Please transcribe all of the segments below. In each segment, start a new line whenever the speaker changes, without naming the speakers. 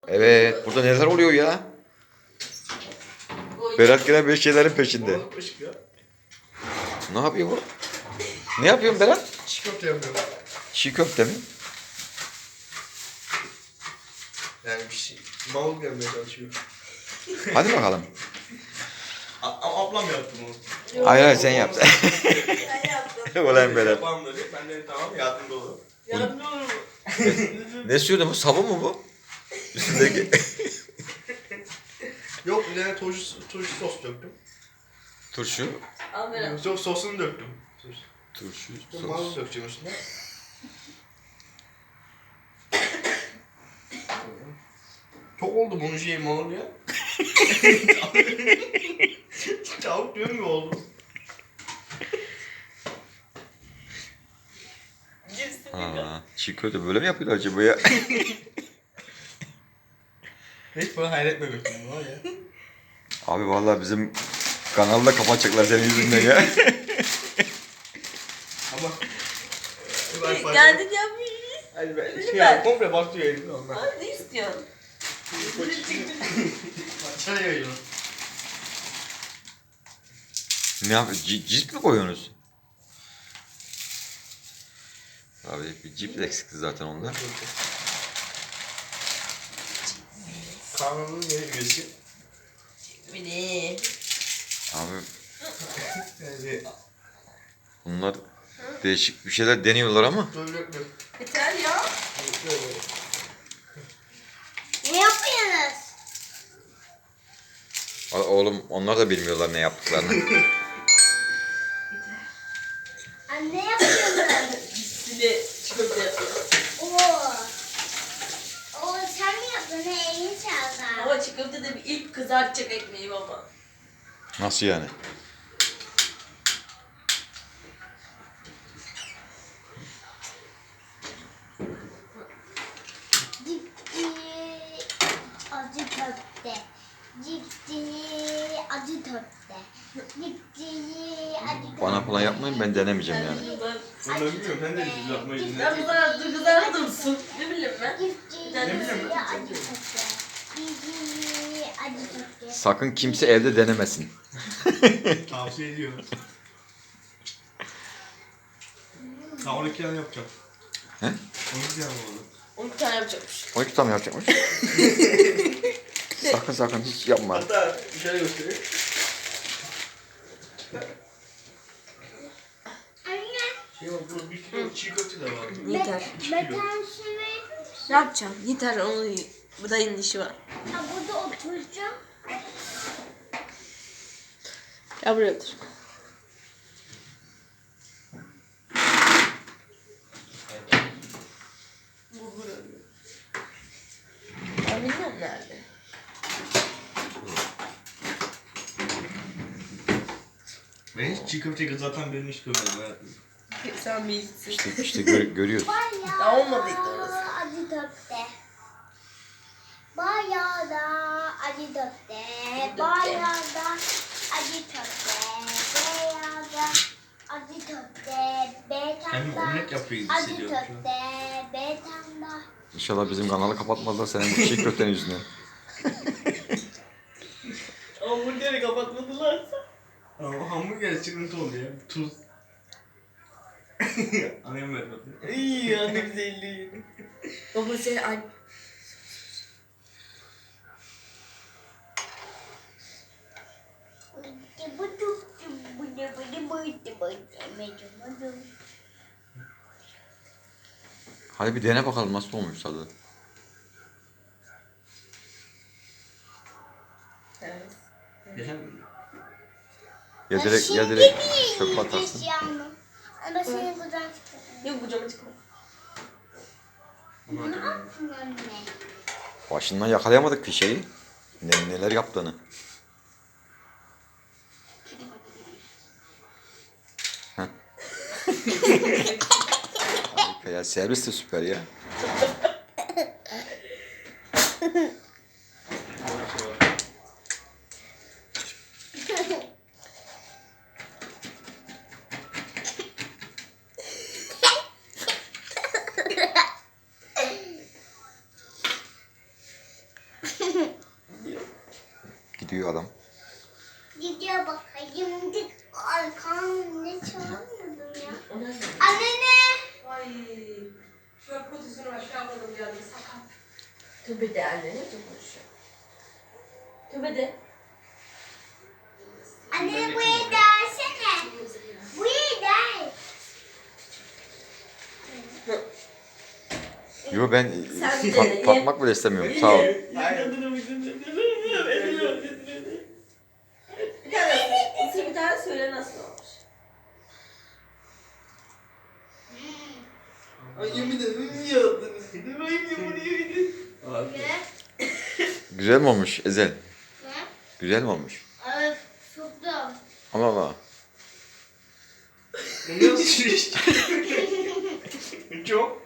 Evet, burada neler oluyor ya? Berat gene bir şeylerin peşinde. Ne yapıyor bu? Ne yapıyorsun Berat?
Çiğ köfte yapıyorum.
Çiğ köfte mi?
Yani bir şey. Mal gelmeye çalışıyor.
Hadi bakalım.
Ablam yaptı bunu.
Hayır sen yap.
Ben yaptım.
Ulan Berat.
Yapalım dedi. Ben dedim tamam yardımcı olurum.
Yardımcı olur mu?
Ne sürüyordu bu? Sabun mu bu? Üstündeki.
Yok bir tane turşu sos döktüm.
Turşu.
Al Berat.
Yok sosunu döktüm.
Turşu.
Marul
Sos.
dökeceğim üstüne. Çok oldu bunun şeyi marul ya. Çabuk diyorum ki oldu.
Cipsini
Ha, çiğ köfte böyle mi yapıyorlar acaba ya?
Hiç bana hayret etmemiştim var ya.
Abi vallahi bizim kanalda kapatacaklar senin yüzünden ya.
Ama
Kendin yapmış.
Hadi ben
Dedim
şey
ben.
ya, komple batıyor elimde ondan.
Abi ne istiyorsun?
Çay yayıyor.
Ne yap? Cips mi koyuyorsunuz? Abi bir cips eksikti zaten onlar.
Kanunun yeni üyesi.
Beni.
Abi
Yani
bunlar değişik bir şeyler deniyorlar ama.
böyle
Yeter ya.
Ne yapıyorsunuz?
Oğlum onlar da bilmiyorlar ne yaptıklarını.
Anne yapıyorsunuz?
Cipsini çikolata yapıyor.
Oo. Oo sen mi yaptın? Elini çaldı.
Ama çikolata da bir ilk kızartacak ekmeği baba.
Nasıl yani?
Cipsi acı köfte. Cipsi acı köfte. Cipsi acı köfte.
Bana falan yapmayın, ben denemeyeceğim yani.
Ben de bilmiyorum sen de bir yapmayı
Ben bu kadar kızartı dursun. Ne bileyim ben.
Cipsi
Ne
bileyim
acı köfte. Cipsi acı köfte.
Sakın kimse evde denemesin.
Tavsiye ediyorum. Daha 12 tane yapacağım.
He?
12 tane oldu.
12 tane yapacakmış.
12 tane yapacakmış. sakın hiç yapma.
Hatta şöyle göstereyim.
Anne.
Şey var burada 1 kilo çiğ köfte de var.
Yeter.
Metan şimdi.
Ne yapacağım? Yeter onu. Bu dayının işi var.
Ha burada oturacağım.
Ya buraya otur. Ben bilmem nerede.
Ben hiç çiğ köfteyi kızartan birini hiç görmedim hayatımda.
Sen bilirsin.
İşte görüyoruz.
Ya olmadıydı orası.
Acı köfte. Bayağı da acı köfte. Bayağı da acı köfte. Bayağı da acı köfte.
Hem omlet yapıyor gibi
Acı
hissediyorum şu an.
köfte. Betanda.
İnşallah bizim kanalı kapatmazlar senin bu çiğ köftenin yüzünden.
Hamburgeri kapatmadılarsa.
Ama hamburger sıkıntı oldu ya. Tuz. Annem vermedi.
İyi ya ne güzelliği. Baba sen ay.
Hadi bir dene bakalım nasıl olmuş tadı.
Evet.
Geçen
Ya direkt çöp atarsın.
Ama seni buradan çıkarım.
Yok bu cama çıkma.
Ne yaptın anne?
Başından yakalayamadık bir şeyi. Neler yaptığını. Heh. Harika ya, servis de süper ya. gidiyor adam.
Gidiyor bakayım. Dik arkam ne çalmıyordum ya.
Ona ne?
Anne ne?
Ay. Şöyle kutusunu aşağı koydum geldi sakat.
Tövbe de anne ne konuşuyor? Tövbe de.
Anne bu el dersene. Bu el der.
Yo ben
Sen de ye.
tatmak bile istemiyorum. Sağ ol.
Bir tane ısır bir tane söyle nasıl olmuş.
Ay yemin ederim iyi yaptınız. Bunu yedin.
Ne?
Güzel mi olmuş Ezel?
Ne?
Güzel mi olmuş?
Öf, çok da.
Allah Allah.
Bu nasıl iş? Çok.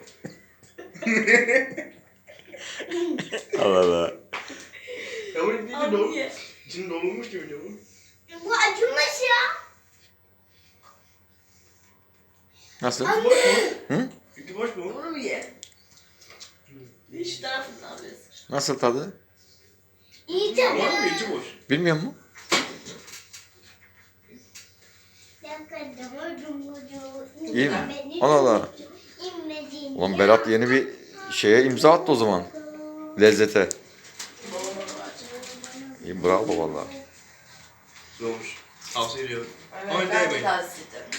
Allah Allah.
Ya bu iyice
Abi
dolu.
ye.
İçinde dolmuş gibi diyor bu.
Bu acımış ya.
Nasıl?
İçi boş mu?
Hı?
İçi boş mu?
Bunu mu ye? Şu tarafından bir ısır.
Nasıl tadı?
İyi tabii.
Var mı? İçi boş.
Bilmiyor musun? İyi mi? Allah Allah. Ulan Berat yeni bir şeye imza attı o zaman. Lezzete. İyi bravo valla.
Olmuş. Tavsiye ediyorum. Ama
Evet, ben de
değmeyin.
tavsiye ederim.